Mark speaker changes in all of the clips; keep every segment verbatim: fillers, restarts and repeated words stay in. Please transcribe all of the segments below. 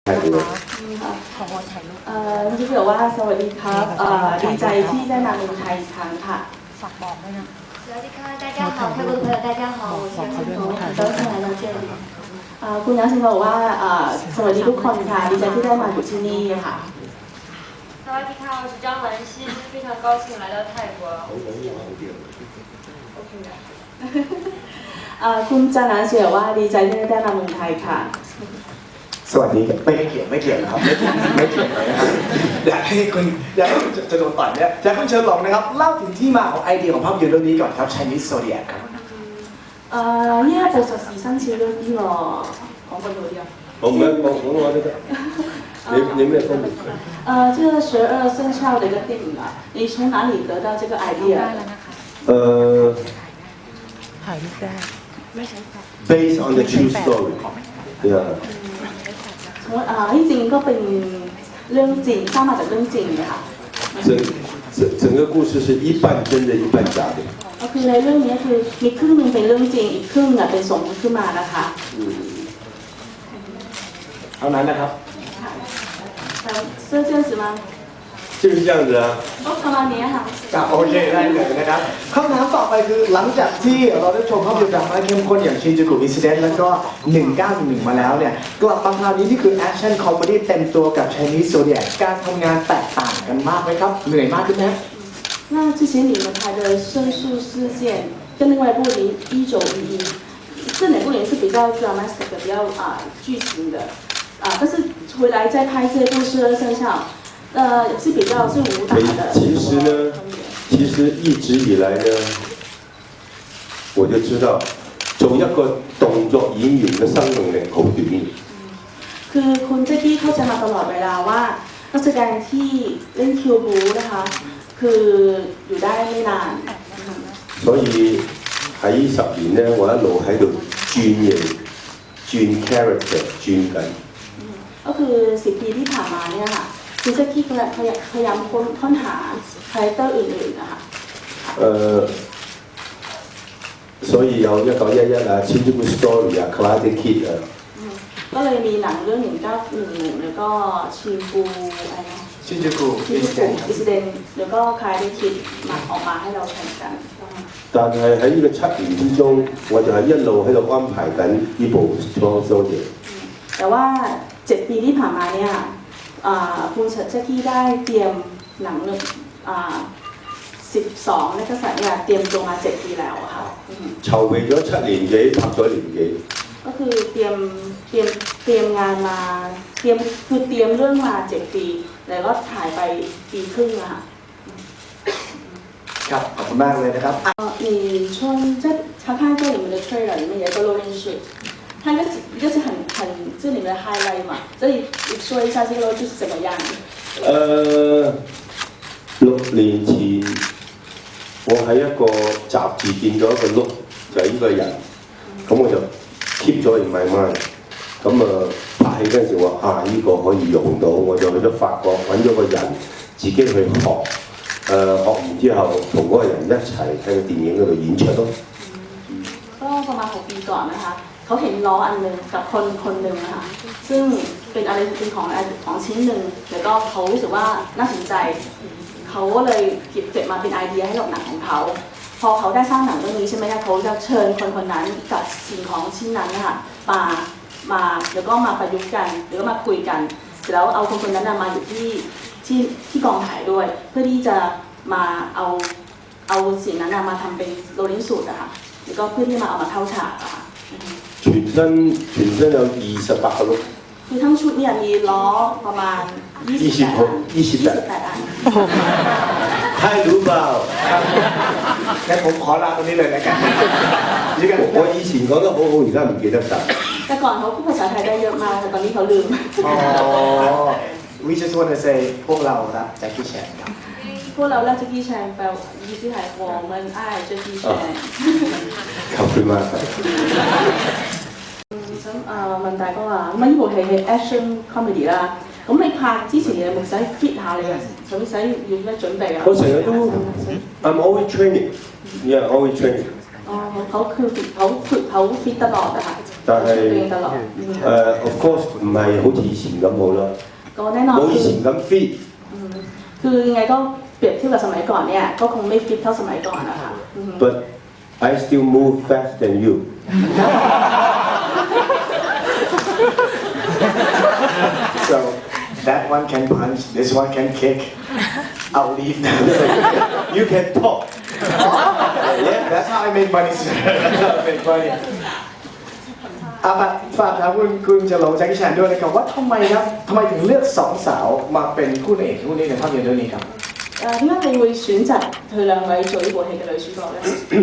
Speaker 1: ของเราถ่ายรูป
Speaker 2: เอ่อที่บอกว่าสวัสดีครับเอ่อดีใจที่ได้มาเมืองไทยอีกครั้งค่ะ
Speaker 1: ฝากบอกด้วยนะ
Speaker 3: สวัสดีค่ะ大家好泰国的朋友大家好我是杨欣彤很高兴来到这里
Speaker 2: เอ่อคุณนัทบอกว่าเอ่อสวัสดีทุกคนค่ะดีใจที่ได้มาอยู่ที่นี่ค่ะ
Speaker 3: สวัสดีค่ะ我是张文熙非常高兴来到泰国
Speaker 2: เอ่อคุณจานาเสียว่าดีใจที่ได้มาเมืองไทยค่ะ
Speaker 4: สวัสดีไม่เกี่ยวไม่เกี่ยวนะครับไม่เกี่ยวไม่เกี่ยวนะครับอยากให้คุณอยากให้คุณจะโดนต่อยเนี่ยอยากให้คุณเชิญลองนะครับเล่าถึงที่มาของไอเดียของภาพยนตร์เรื่องนี้ก่อนครับ Chinese Zodiac ครับ
Speaker 2: เอ่อ呢一部就時新潮咗啲喎，講緊嗰啲啊。
Speaker 5: 我唔係講廣東話都得。你你咩方面？
Speaker 2: 呃，這個十二生肖的一個電影啊，你從哪裡得到這個 idea？
Speaker 5: 呃
Speaker 1: ถ่ายรูปได้ไม่ใช่แฟลช
Speaker 5: ，based on the true story。Yeah。
Speaker 2: 從啊呢จริงก็เป็นเรื่องจริงสร้างมาจากเรื่องจริงเลยค่ะ
Speaker 5: 整整整个故事是一半真的，一半假的。
Speaker 2: ก็คือในเรื่องนี้คือมีครึ่งหนึ่งเป็นเรื่องจริงอีกครึ่งเนี่ยเป็นสมมติขึ้นมานะคะ
Speaker 4: เท่านั้นนะครับ
Speaker 2: 是这样子吗
Speaker 5: 就是这样子啊。
Speaker 2: ก็ประมาณนี้ค่ะ
Speaker 4: ครับโอเคได้เลยนะครับคำถามต่อไปคือหลังจากที่เราได้ชมภาพยนตร์ดราม่าเข้มข้นอย่าง Shinjuku Incident แล้วก็หนึ่งเก้าหนึ่งหนึ่งมาแล้วเนี่ยกลับมาคราวนี้ที่คือแอคชั่นคอมเมดี้เต็มตัวกับ Chinese Zodiac การทำงานแตกต่างกันมากไหมครับเหนื่อยมากขึ้นไหม
Speaker 2: 那之前你们拍的《胜诉事件》跟另外一部《零一九一一》，这两部也是比较 dramatic 的，比较啊、呃、剧情的啊、呃，但是回来再拍这部《十二生肖》，呃是比较是武打的。
Speaker 5: 其实呢，其實一直以來呢，我就知道做一個動作演員嘅生命力好短。
Speaker 2: คือคุณเจ๊กี้เขาจะมาตลอดเวลาว่านักแสดงที่เล่นคิวบูนะคะคืออยู่ได้ไม่นาน
Speaker 5: 所以喺十年呢，我一路喺度轉型、轉 character、轉緊。
Speaker 2: ก็คือสิบปีที่ผ่านมาเนี่ยค่ะคุณเจ๊กี้พยายามค้นค้นหาคาแรคเตอร์อื่นๆนะคะ
Speaker 5: 誒，所以有一九一一啊、Shinjuku Story 啊、Karate Kid 啊。
Speaker 2: ก็เลยมีหนังเรื่องหนึ่งเก้าหนึ่งหนึ่งแล้วก็ชินปูอะไรนะ
Speaker 4: Shinjuku
Speaker 2: ชินปูอิสเดนแล้วก็คายได้คิดมาออกมาให้เราแข่งกัน
Speaker 5: 但係喺呢個七年之中，我就係一路喺度安排緊呢部《Strong Soldier》。
Speaker 2: แต่ว่าเจ็ดปีที่ผ่านมาเนี่ยคุณเจ๊กี้ได้เตรียมหนังสิบสองนักแสดงเนี่ยเตรียมตัวมาเจ็ดปีแล้วค่ะ
Speaker 5: 籌備咗七年幾，拍咗年幾。
Speaker 2: ก็คือเตรียมเตรียมเตรียมงานมาเตรียมคือเตรียมเรื่องมาเจ็ดปีแล้วก็ถ่ายไปปีครึ่งอะค่ะ
Speaker 4: ครับขอบคุณมากเลยนะครับ
Speaker 2: 呃，你从在查看过你们的 trailer 里面有一个 loading shoot，它一个一个是很很这里面的 highlight 嘛，所以你说一下这个 load 是怎么样？
Speaker 5: 誒，六年前我喺一個雜誌見到一個 look，就係呢個人，咁我就 keep 咗 in my mind。咁啊拍戲嗰陣時話啊呢個可以用到，我就去咗法國揾咗個人自己去學。誒、呃、學完之後，同嗰個人一齊喺個電影嗰度演出咯。
Speaker 2: ก็ประมาณหกปีก่อนนะคะเขาเห็นล้ออันหนึ่งกับคนคนหนึ่งนะคะซึ่งเป็นอะไรเป็นของของชิ้นหนึ่งแล้วก็เขารู้สึกว่าน่าสนใจเขาก็เลยเก็บเก็บมาเป็นไอเดียให้กับหนังของเขาพอเขาได้สร้างหนังเรื่องนี้ใช่ไหมคะเขาจะเชิญคนคนนั้นกับสิ่งของชิ้นนั้นนะคะมามาแล้วก็มาประยุกต์กันหรือก็มาคุยกันเสร็จแล้วเอาคนคนนั้นมาอยู่ที่ที่ที่กองถ่ายด้วยเพื่อที่จะมาเอาเอาสิ่งนั้นมาทำเป็นโรลลิ่งสูตรอะค่ะแล้วก็เพื่อที่มาเอามาเข้าฉากอะค่ะ
Speaker 5: 全身全身有二十八個碌。
Speaker 2: คือทั้งชุดเนี่ยมีล้อประมาณยี่สิบแปดอันยี่สิบแปดอัน
Speaker 5: 太รู้เปล่า
Speaker 4: งั้นผมขอลาตรงนี้เลยนะกัน
Speaker 5: 我以前講得好好，而家唔記得晒。
Speaker 2: แต่ก่อนเขาพูดภาษาไทยได้เยอะมากแต่ตอนนี้เขาลืม
Speaker 4: อ๋อ We just want to say พวกเรารักแจ็คกี้แชนครับ
Speaker 2: พวกเรารักแจ็คกี้แชนแปลว่า意思係我們愛แจ็คกี้แชน
Speaker 5: ขอบคุณมากครับ
Speaker 2: 咁啊問大哥啊，咁呢部戲係 action comedy 啦，咁你拍之前你有冇使 fit 下你啊？使唔使要咩準備啊？
Speaker 5: 我成日都 I'm always training，yeah always training。
Speaker 2: 哦，เขาคือเขาฝึกเขาฟิตตลอดอะค่ะ
Speaker 5: 但但
Speaker 2: ตัวเอง
Speaker 5: 係
Speaker 2: ตลอดอืม
Speaker 5: 誒、呃 of course 唔係好似以前咁好啦，
Speaker 2: ก็แน่นอน
Speaker 5: 冇
Speaker 2: คื
Speaker 5: 以
Speaker 2: อ
Speaker 5: 前咁 fit。
Speaker 2: อืมคือยังไงก็เปรียบเทียบกับสมัยก่อนเนี่ยก็คงไม่ฟิตเท่าสมัยก่อนนะคะอืม
Speaker 5: But I still move faster than you.
Speaker 4: so that one can punch this one can kick I'll leave now
Speaker 5: You can talk.
Speaker 4: yeah that's how I make money sir that's how I make money อาฝากฝากถามคุณคุณจะหลงแจ็คกี้แชนด้วยนะครับว่าทำไมครับทำไมถึงเลือกสองสาวมาเป็นคู่เอกคู่นี้ในภาพยนตร์เรื่องนี้ครับ
Speaker 2: 誒點解你會選擇佢兩位做呢部戲嘅女主角咧？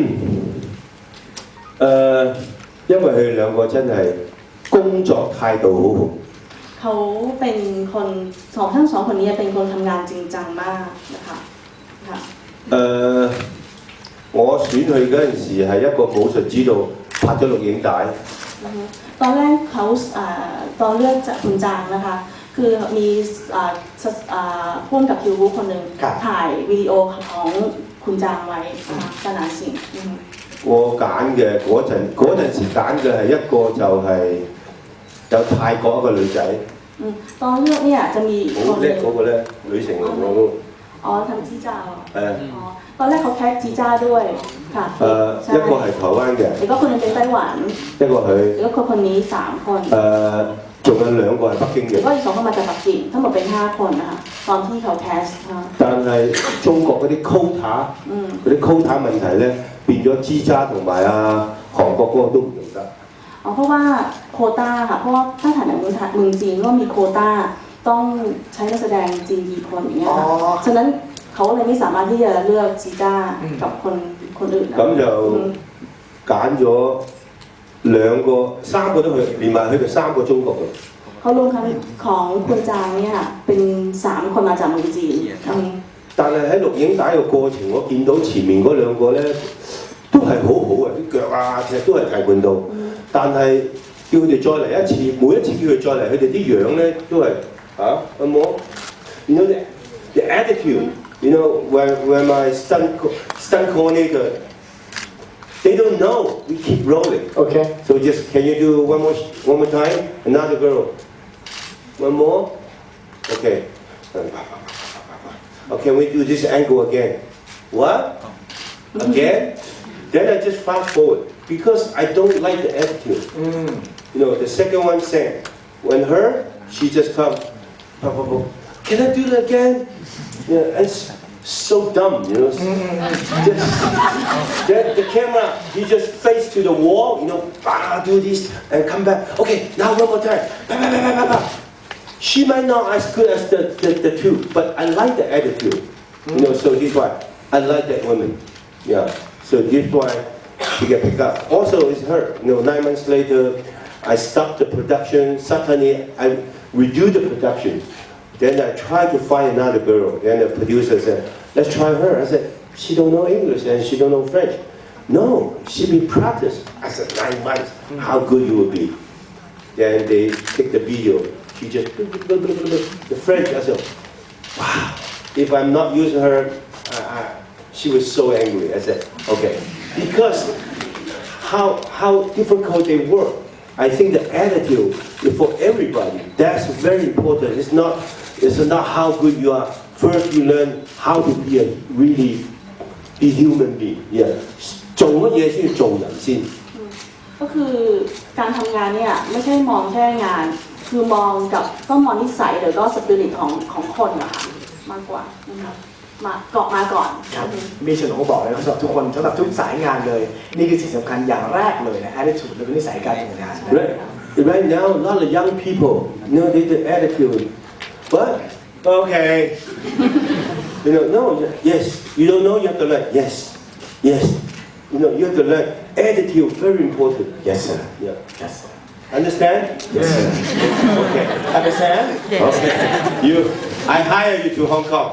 Speaker 5: 誒、因為佢哋兩個真係工作態度好好。
Speaker 2: เขาเป็นคนสองทั้งสองคนนี้เป็นคนทำงานจริงจังมากนะคะค่ะ
Speaker 5: 誒、我選佢嗰陣時係一個武術指導，拍咗錄影帶。
Speaker 2: อือฮึตอนแรกเขาอ่าตอนเลือกจากคุณจางนะคะคือมีอ่าสอ่าพ่วงกับคิวบูคนหนึ่ง
Speaker 4: ครับ
Speaker 2: ถ่ายวิดีโอของคุณจางไว้นะคะขนาดสิ่งอือฮึ
Speaker 5: 我揀嘅嗰陣嗰陣時揀嘅係一個就係有泰國一個女仔，
Speaker 2: อืมตอนเลือกเนี่ยจะมีอีกค
Speaker 5: 好
Speaker 2: นห
Speaker 5: 叻
Speaker 2: นึ่ง
Speaker 5: 嗰個咧，女成龍嗰個
Speaker 2: อ๋อทำจีจ้าเหรอ
Speaker 5: 誒
Speaker 2: อ๋อตอนแรกเขาแคสจีจ้าด้วยค่ะ
Speaker 5: 誒、
Speaker 2: ใช่
Speaker 5: 一個係台灣嘅，
Speaker 2: แล้วก็คนหนึงเป็นไต้หวัน
Speaker 5: 一個佢
Speaker 2: แล้วก็คนนี้สามคน
Speaker 5: 誒，仲、有兩個係北京
Speaker 2: แล้ว
Speaker 5: 嘅。
Speaker 2: ก็อีกสองคนมาจากปักกิ่งทั้งหมดเป็นห้าคนนะคะตอนที่เขาแคสนะคะ
Speaker 5: 但係中國嗰啲 quota
Speaker 2: อืม
Speaker 5: 嗰啲 quota 問題咧，變咗支渣同埋啊韓國嗰個都唔用得。
Speaker 2: อ๋อเพราะว่าโควต้าค่ะเพราะว่าถ้าถ่ายหนังเมืองไทยเมืองจีนก็มีโควต้าต้องใช้นักแสดงจีนกี่คนอย่างเงี้ยค่ะ
Speaker 4: อ๋อ
Speaker 2: ฉะนั้นเขาเลยไม่สามารถที่จะเลือกจีจ้ากับคนคนอื่นนะ
Speaker 5: 咁就
Speaker 2: อืม
Speaker 5: 揀咗兩個三個都去，連埋佢哋三個中國嘅。
Speaker 2: เขารวมทั้งของคุณจางเนี่ยค่ะเป็นสามคนมาจากเมืองจีนอืม
Speaker 5: 但係喺錄影帶嘅過程，我見到前面嗰兩個咧都係好好嘅，啲腳啊其實都係提盤到，但係叫佢哋再嚟一次，每一次叫佢再嚟，佢哋啲樣咧都係啊有冇？You know the the attitude. You know when when my stunt co- stunt coordinator, they don't know. We keep rolling.
Speaker 4: โอเค
Speaker 5: So just can you do one more one more time? Another girl. One more. Okay. Okay, we do this angle again. What? Again? Then I just fast forward because I don't like the attitude.
Speaker 4: อืม
Speaker 5: You know, the second one sang. When her, she just come. "Pop, pop, pop. Can I do that again? Yeah, it's so dumb, you know. Just, then the camera, he just face to the wall, you know, ah, do this and come back. Okay, now one more time. Bah, bah, bah, bah, bah, bah. She might not as good as the, the, the two, but I like the attitude. You know, so this why I like that woman. Yeah. So this why she get picked up. Also, it's her. You know, nine months later, I stopped the production. Suddenly, I redo the production. Then I tried to find another girl. Then the producer said, "Let's try her." I said, "She don't know English and she don't know French." No, she be practiced. I said, nine months. How good you will be. Then they take the video. She just the French. I said, "Wow! If I'm not using her, I, I, she was so angry." I said, "Okay," because how how difficult they work. I think the attitude for everybody that's very important. It's not it's not how good you are. First, you learn how to be a really be human being. Yeah. 做乜嘢先要做人先？
Speaker 2: ก็คือการทำงานเนี่ยไม่ใช่มองแค่งาน คือมองกับต้องมองนิสัยหรือก็สปิริตของของคนอะค่ะมากกว่านะคะมาเกาะมาก่อน
Speaker 4: ครับมีเฉินหลงก็บอกเลยนะสำหรับทุกคนสำหรับทุกสายงานเลย นี่คือสิ่งสำคัญอย่างแรกเลยนะ attitude และก็นิสัยการทำงานนะ
Speaker 5: Right, right now, a lot of young people, you know, they the attitude. What? Okay. You know, no, yes. You don't know, you have to learn. Yes, yes. You know, you have to learn. Attitude, very important.
Speaker 4: yes sir
Speaker 5: Yeah.
Speaker 4: yes sir
Speaker 5: Understand?
Speaker 4: yes sir
Speaker 5: Okay.
Speaker 4: understand
Speaker 5: Okay. You, I hire you to Hong Kong.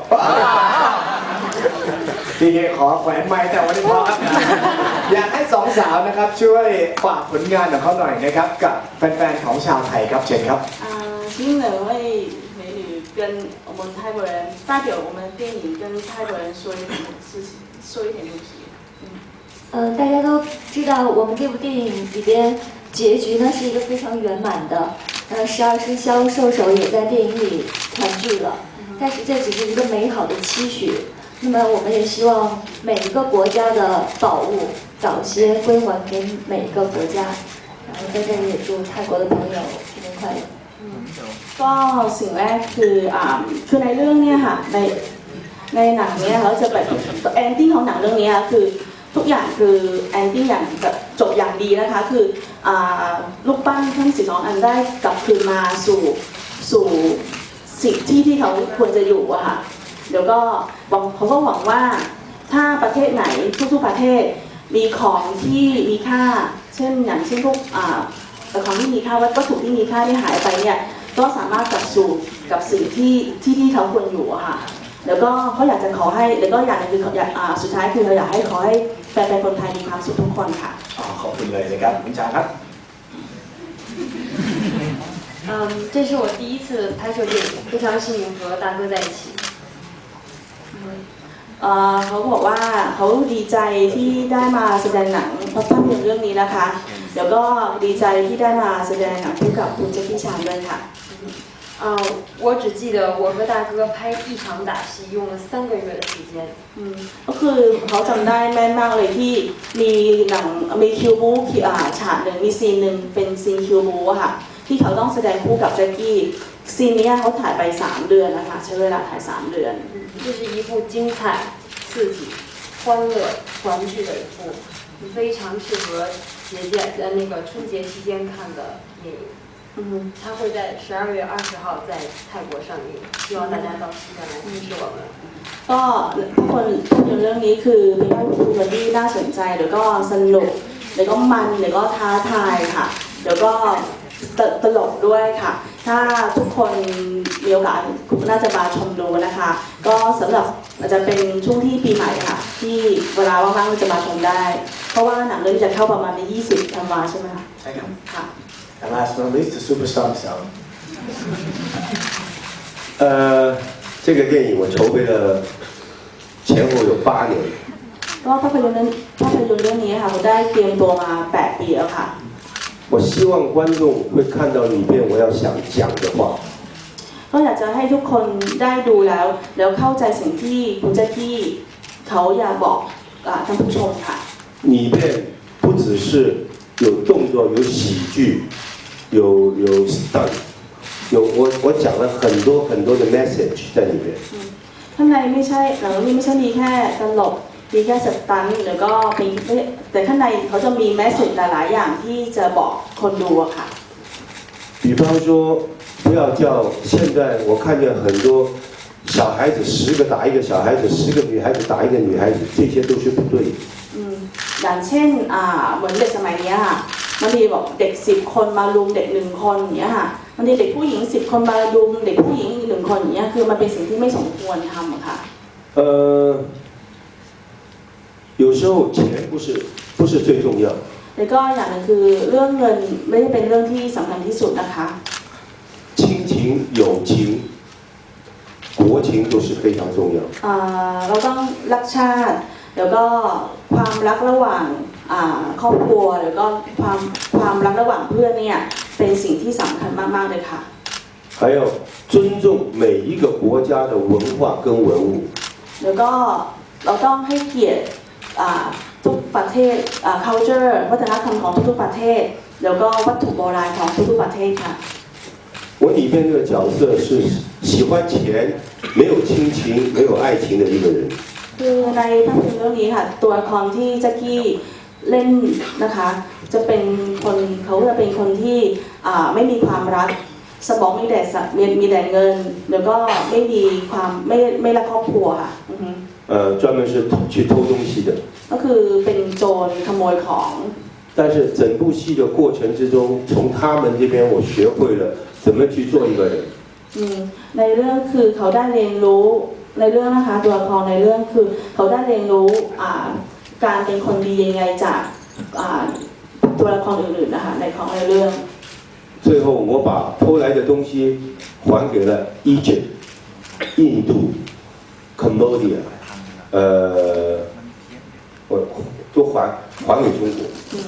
Speaker 4: ทีนี้ขอแขวนไม้แต่วันนี้พอครับอยากให้สองสาวนะครับช่วยฝากผลงานของเขาหน่อยนะครับกับแฟนๆของชาวไทยครับเชิญครับ
Speaker 2: 啊，请两位美女跟我们泰国人代表我们电影跟泰国人说一点事情，说一点东西。
Speaker 3: 嗯、大家都知道我们这部电影里边结局呢是一个非常圆满的，呃，十二生肖兽首也在电影里团聚了，但是这只是一个美好的期许。那么我们也希望每一个国家的宝物早些归还给每一个国家。然后在这里也祝泰国的朋友新年快乐。
Speaker 2: ก็สิ่งแรกคืออ่าคือในเรื่องเนี้ยค่ะในในหนังเนี้ยเขาจะแบบแอนดิ้งของหนังเรื่องนี้คือทุกอย่างคือแอนดิ้งอย่างแบบจบอย่างดีนะคะคืออ่าลูกปั้นทั้งสิบสองอันได้กลับคืนมาสู่สู่สิ่งที่ที่เขาควรจะอยู่อะค่ะเดี๋ยวก็หวังเขาก็หวังว่าถ้าประเทศไหนทุกๆประเทศมีของที่มีค่าเช่นอย่างเช่นพวกอ่าของที่มีค่าวัตถุที่มีค่าที่หายไปเนี่ยก็สามารถกลับสู่กับสิ่งที่ที่ที่เขาควรอยู่อะค่ะแล้วก็เขาอยากจะขอให้แล้วก็อย่างหนึงคืออยากอ่าสุดท้ายคือเราอยากให้ขอให้แฟนๆคนไทยมีความสุขทุกคนค่ะ
Speaker 4: อ๋อขอบคุณเลยนะครับคุณจ๋าครับ
Speaker 6: 嗯，这是我第一次拍摄电影，非常幸运和大哥在一起。
Speaker 2: เอ่อเขาบอกว่าเขาดีใจที่ได้มาแสดงหนังภาพยนตร์เรื่องนี้นะคะเดี๋ยวก็ดีใจที่ได้มาแสดงหนังคู่กับคุณเจคกี้ชานด้วยค่ะ
Speaker 6: 啊、我只记得我和大哥拍一场打戏用了三个月的时间。
Speaker 2: อืมก็คือเขาจำได้แม่นมากเลยที่มีหนังมีคิวบูที่อ่าฉากหนึ่งมีซีนหนึ่งเป็นซีนคิวบูอะค่ะที่เขาต้องแสดงคู่กับแจ็คกี้ซีนนี้เขาถ่ายไปสามเดือนนะคะใช้เวลาถ่ายสามเดือน
Speaker 6: 这是一部精彩、刺激、欢乐、团聚的一部非常适合节假呃那个春节期间看的电影。
Speaker 2: อืม
Speaker 6: 它会在十二月二十号在泰国上映，希望大家到西站来支持我们。
Speaker 2: ก็ทุกคนภาพยนตร์เรื่องนี้คือเป็นภาพยนตร์ที่น่าสนใจแล้วก็สนุกแล้วก็มันแล้วก็ท้าทายค่ะแล้วก็ตตลกด้วยค่ะ ถ้าทุกคนมีโอกาสน่าจะมาชมดูนะคะ ก็สำหรับอาจจะเป็นช่วงที่ปีใหม่ค่ะ ที่เวลาว่างๆจะมาชมได้ เพราะว่าหนังเรื่องนี้จะเข้าประมาณในยี่สิบธันวาใช่ไหมคะ
Speaker 4: ใช่ครับ
Speaker 2: ค่ะ
Speaker 4: And last but not least the superstar himself
Speaker 5: 呃，这个电影我筹备了前后有八年。
Speaker 2: ก็ภาพยนตร์เรื่องภาพยนตร์เรื่องนี้ค่ะผมได้เตรียมตัวมาแปดปีแล้วค่ะ
Speaker 5: 我希望观众会看到里面我要想讲的话。
Speaker 2: ก็อยากจะให้ทุกคนได้ดูแล้ว แล้วเข้าใจสิ่งที่คุณแจ็คกี้เขาอยากบอกอ่าท่านผู้ชมค่ะ
Speaker 5: 里面不只是有动作、有喜剧、有有 stunt， 有我我讲了很多很多的 message 在里面。
Speaker 2: ข้างในไม่ใช่หนังเรื่องนี้ไม่ใช่มีแค่ตลกมีแค่สตันท์หรือก็มีแต่ข้างในเขาจะมีแมสเซจหลายๆอย่างที่จะบอกคนดูอะค่ะ
Speaker 5: 比方说，不要叫现在我看见很多小孩子十个打一个小孩子，十个女孩子打一个女孩子，这些都是不对的。
Speaker 2: อืมอย่างเช่นอ่าเหมือนเด็กสมัยเนี้ยค่ะบางทีบอกเด็กสิบคนมารุมเด็กหนึ่งคนอย่างเงี้ยค่ะบางทีเด็กผู้หญิงสิบคนมารุมเด็กผู้หญิงหนึ่งคนอย่างเงี้ยคือมันเป็นสิ่งที่ไม่สมควรทำอะค่ะ
Speaker 5: 呃，有时候钱不是不是最重要，
Speaker 2: แล้วก็อย่างหนึงคือเรื่องเงินไม่ได้เป็นเรื่องที่สำคัญที่สุดนะคะ
Speaker 5: 亲情、友情、国情都是非常重要。
Speaker 2: อ่าเราต้องรักชาติ แล้วก็ความรักระหว่างอ่าครอบครัวแล้วก็ความความรักระหว่างเพื่อนเนี่ยเป็นสิ่งที่สำคัญมากๆเลยค่ะ
Speaker 5: 还要尊重每一个国家的文化跟文物。
Speaker 2: แล้วก็เราต้องให้เกียรติอ่าทุกประเทศอ่า culture วัฒนธรรมของทุกๆประเทศ แล้วก็วัตถุโบราณของทุกๆประเทศค่ะ
Speaker 5: 我里面这个角色是喜欢钱、没有亲情、没有爱情的一个人。
Speaker 2: คือในภาพยนตร์เรื่องนี้ค่ะตัวละครที่แจ็คกี้เล่นนะคะจะเป็นคนเขาจะเป็นคนที่อ่าไม่มีความรักสมองมีแต่สมีมีแต่เงิน แล้วก็ไม่มีความไม่ไม่รักครอบครัวค่ะอือฮึ
Speaker 5: 呃，专门是去偷东西的。
Speaker 2: ก็คือเป็นโจรขโมยของ
Speaker 5: 但是整部戏的过程之中，从他们这边我学会了怎么去做一个人。
Speaker 2: อืมในเรื่องคือเขาได้เรียนรู้ในเรื่องนะคะตัวละครในเรื่องคือเขาได้เรียนรู้อ่าการเป็นคนดียังไงจากอ่าตัวละครอื่นๆนะคะในของในเรื่อง
Speaker 5: 最后我把偷来的东西还给了 Egypt、印度、Cambodia， 呃，我都还还给中国。
Speaker 2: ส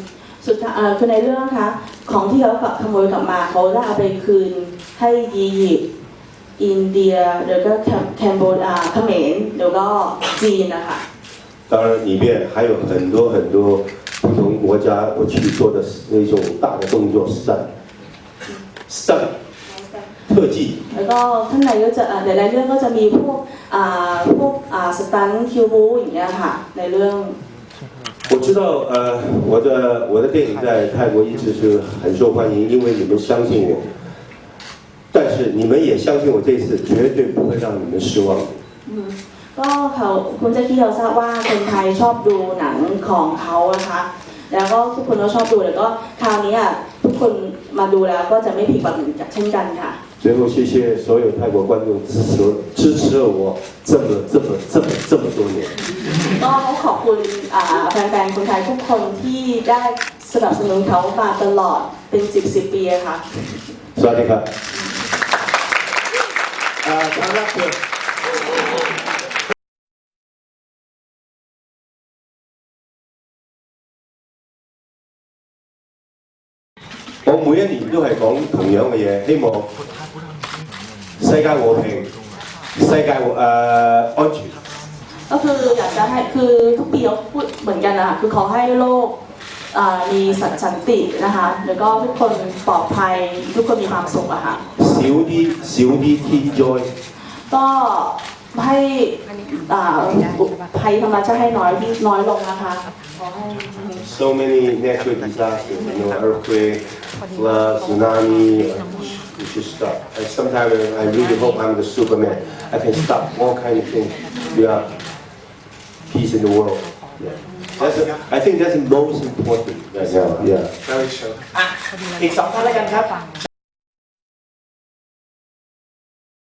Speaker 2: สุดท้ายเอ่อคือในเรื่องนะคะของที่เขาขโมยกลับมาเขาได้เอาไปคืนให้อียิปต์อินเดียแล้วก็แคนโบเดียเขมรแล้วก็จีนนะคะ
Speaker 5: 当然，里面还有很多很多不同国家我去做的那种大的动作，stunt，stunt，特技。
Speaker 2: แล้วก็ข้างในก็จะเอ่อในเรื่องก็จะมีพวกอ่าพวกอ่าสตันคิวบูอย่างเงี้ยค่ะในเรื่อง
Speaker 5: 我知道，呃，我的我的电影在泰国一直是很受欢迎，因为你们相信我。但是你们也相信我，这次绝对不会让你们失望。
Speaker 2: ก็เขาคุณแจ็คกี้เราทราบว่าคนไทยชอบดูหนังของเขานะคะแล้วก็ทุกคนก็ชอบดูแล้วก็คราวนี้อ่ะทุกคนมาดูแล้วก็จะไม่ผิดหวังเช่นกันค่ะ
Speaker 5: 最后，谢谢所有泰国观众支持支持了我这么这么这么这么多年。
Speaker 2: ก็ขอบคุณอ่าแฟนๆคนไทยทุกคนที่ได้สนับสนุนเขามาตลอดเป็นสิบสิบปีอะค่ะ
Speaker 5: สวัสดีครับอ่าทางรับเชิญ 我每一年都係講同樣嘅嘢，希望世界和平、世界誒、呃、安全。
Speaker 2: ก็คืออยากจะให้คือทุกปีเขาพูดเหมือนกันนะคะคือขอให้โลกอ่ามีสันตินะคะแล้วก็ทุกคนปลอดภัยทุกคนมีความสุขอะค่ะ
Speaker 5: 少啲少啲天災。
Speaker 2: ก็ให้อ่าภัยธรรมชาติให้น้อยที่น้อยลงนะคะขอให้
Speaker 5: So many natural disasters, you know, earthquake, flood, tsunami. We should stop. And sometimes I really hope I'm the Superman. I can stop all kind of things. We have peace in the world. Yeah. That's a, I think that's the most important right now. Yeah.
Speaker 4: Very sure อ่ะอีกสองท่านแล้วกันครับ เช